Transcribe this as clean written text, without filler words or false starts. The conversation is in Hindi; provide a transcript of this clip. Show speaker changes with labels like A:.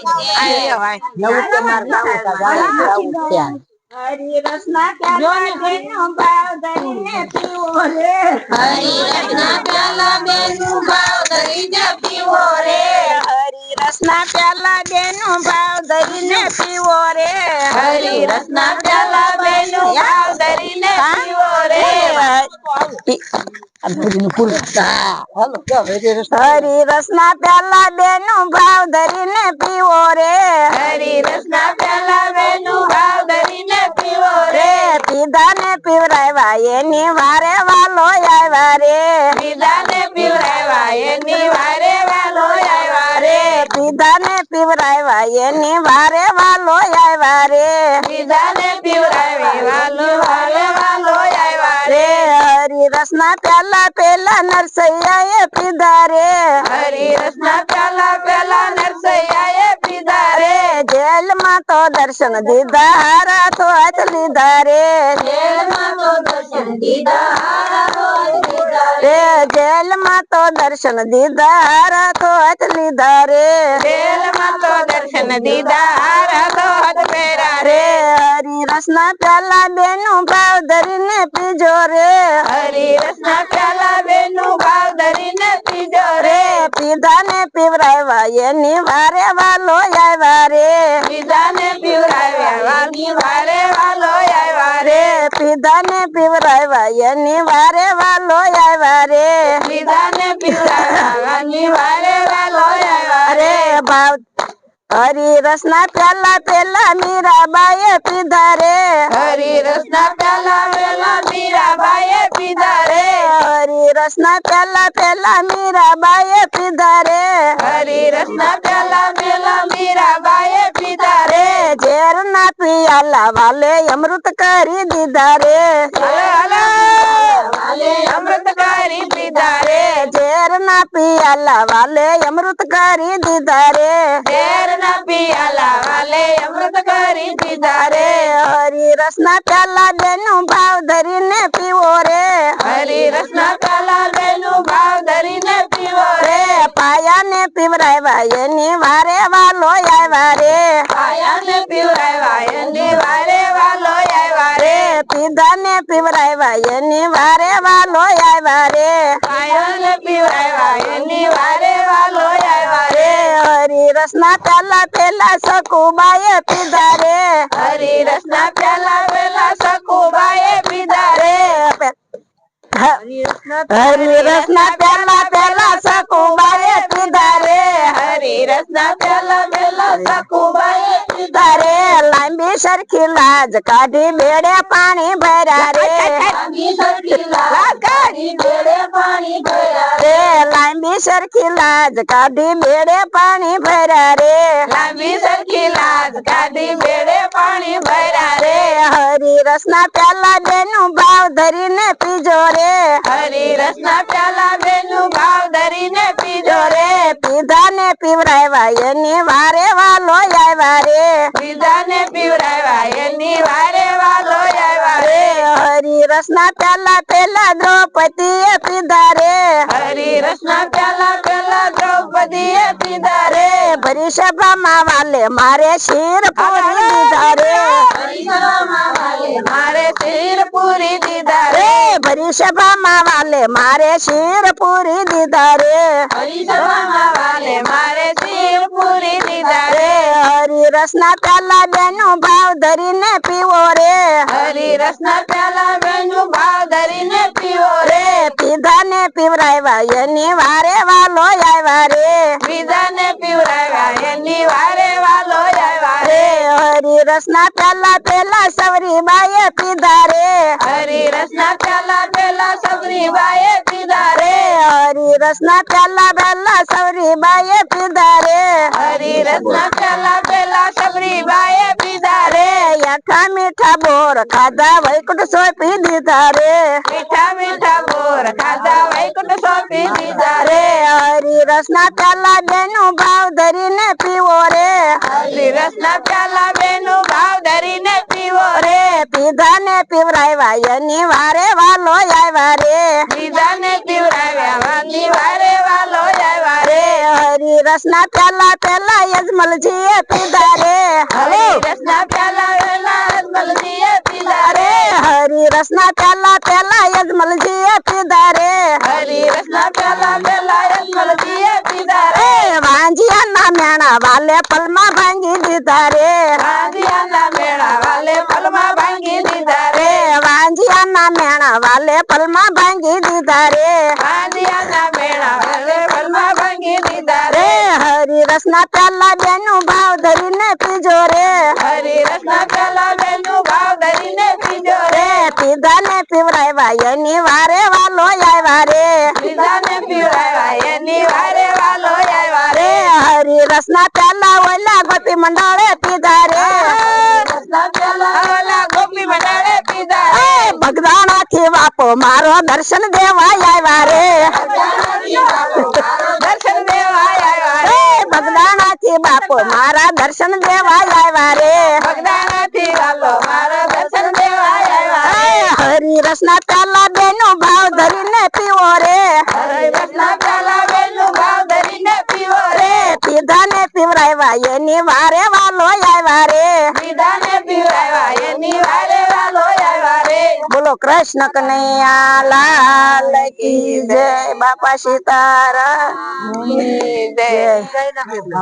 A: हरी रसना प्याला बेनु भाव धरीने पीवो रे हरी रसना प्याला बेनु भाव धरीने पीवो रे हरी रसना प्याला बेनु भाव धरीने पीवो रे हरी रसना प्याला बेनु भाव धरीने पीवो रे हरी रसना प्याला बेनु भाव धरीने पीवो रे हरी रसना प्याला बेनु भाव धरीने पीवो रे पीधा ने पीवरावा ये निवारे वालो आवा रे पीधा ने पीवरावा ये निवारे वालो आवा रे पीधा ने पीवरावा ये निवारे वालो आवा रे पीधा ने पीवरावा वालो वालो आवा रे हरी रसना प्याला पेला नरसैया ये पीधा रे हरी रसना प्याला पेला नरसैया ये पीधा रे जेल में तो दर्शन दीदा हारा तो अच लीधा रे जेल में तो दर्शन दीदा हारा तो अच लीधा रे जेल में तो दर्शन दीदा हारा तो अच लीधा रे जेल में तो दर्शन दीदा हारा तो अच पेरा रे हरी रसना प्याला बेनु भाव धरीने पीजो रे हरी रसना प्याला बेनु भाव धरीने पीजो रे पीधा ने पीवरावा ये निवारे वालो आवा रे पीधा ने पीवरावा निवारे वालो आवा रे पीधा ने पीवरावा ये निवारे वालो आवा रे पीधा ने पीवरावा निवारे वालो आवा रे भाव हरी रसना प्याला पेला मीरा बाये पीधा रे हरी रसना प्याला पेला मीरा बाये पीधा रे हरी रसना प्याला पेला मीरा बाये पीधा रे हरी रसना प्याला पेला मीरा बाये पीधा रे जेर ना पियाला वाले अमृत करी दीदा रे वाले अमृत करी दीदा रे जेर ना पियाला वाले अमृत करी दीदा रे जेर ना पियाला वाले अमृत करी दीदा रे हरी रसना प्याला बेनु भाव धरीने पीवो रे हरी रसना प्याला बेनु भाव धरीने पीवो रे पाया ने पीवरावा ये निवारे वालो आवा रे पाया ने पीवरावा ये निवारे वालो आवा रे पीधा ने पीवरावा ये निवारे वालो आवा रे पाया ने पीवरावा ये निवारे वालो आवा रे हरी रसना प्याला पेला सकुबाये पीधा रे हरी रसना प्याला पेला सकुबाये पीधा रे हरी रसना प्याला पेला सकुबाये पीधा रे हरी रसना प्याला पेला सकुबाये पीधा रे लांबी सरखी लाज काढी बेड़े पानी भरा रे लांबी सरखी लाज काढी बेड़े पानी भरा रे लांबी सरखी लाज काढी बेड़े पानी भरा रे लांबी सरखी लाज काढी बेड़े पानी भरा रे हरी रसना प्याला बेनु भाव धरीने पीजो रे हरी रसना प्याला बेनु भाव धरीने पीजो रे पीधा ने पीवरावा ये निवारे वालो आवा रे पीधा ने पीवरावा ये निवारे वालो आवा रे हरी रसना प्याला पेला द्रौपदी ये पीधा रे हरी रसना प्याला पेला द्रौपदी ये पीधा रे भरी सभा माँ वाले मारे शीर पूरी दीदा रे भरी सभा माँ वाले मारे शीर पूरी दीदा रे भरी सभा माँ वाले मारे शीर पूरी दीदा रे हरी सभा माँ वाले मारे शीर पूरी दीदा रे हरी रसना प्याला बेनु भाव धरीने पीवो रे हरी रसना प्याला बेनु भाव धरीने पीवो रे पीधा ने पीवरावा ये निवारे वालो आवा रे पीधा ने पीवरावा ये निवारे वालो आवा रे हरी रसना प्याला पेला सबरी बाये पीधा रे हरी रसना प्याला पेला सबरी बाये पीधा रे हरी रसना प्याला बेला सबरी बाये पीधा रे हरी रसना प्याला बेला सबरी बाये पीधा रे याठा मीठा बोर खाधा वैकुंठ सोपी दीधा रे मीठा मीठा बोर खाधा वैकुंठ सोपी दीधा रे हरी रसना प्याला बेनु भाव धरीने पीवो रे हरी रसना प्याला बेनु भाव धरीने पीवो रे पीधा ने पीवरावा ये निवारे वालो आवा रे पीधा ने पीवरावा निवारे वालो आवा रे हरी रसना प्याला पेला यजमल जी મેળા વાલે પલમાં ભાંગી દીધા રે
B: વાંજિયાના મેળા વાલે પલમાં ભાંગી દીધા રે
A: વાંજિયાના મેળા વાલે પલમાં ભાંગી દીધા રે
B: વાંજિયાના મેળા વાલે પલમાં ભાંગી દીધા
A: રે
B: રે
A: હરી રસના પ્યાલા બેનું ભાવ ધરીને પીજો રે
B: હરિરસના પેલા બેનું ભાવ ધરીને પીજો રે
A: પીધા ને પીવરાવ્યા એની વારે વાલો આવ્યા રે
B: પીધાને પીવડાવ્યા એની વારે વાલો આવ્યા
A: રે
B: રે
A: હરી રસના પ્યાલા ઓલા ગોપી મંડળે પીધા રે
B: રસના પેલા ઓલા ગોપી મંડળે પીધા રે
A: બગદાણા થી બાપો મારો દર્શન દેવા આવ્યા રે
B: દર્શન દેવા આવ્યા
A: રે
B: રે
A: બગદાણા થી બાપો મારા દર્શન દેવા આવ્યા રે
B: બગદાણાથી વાલો મારા દર્શન દેવા આવ્યા રે
A: હરી રસના પ્યાલા બેનું ભાવ ધરીને પીવો રે
B: હરિરસના પેલા બેનું ભાવ ધરીને પીવો રે
A: પીધા ને પીવરાવ્યા એની વારે વાલો આવ્યા રે
B: પીધાને પીવડાવ્યા એની વારે વાલો આવ્યા રે
A: બોલો કૃષ્ણ કનૈયા લાલ કી જય બાપા સીતારામ
B: જય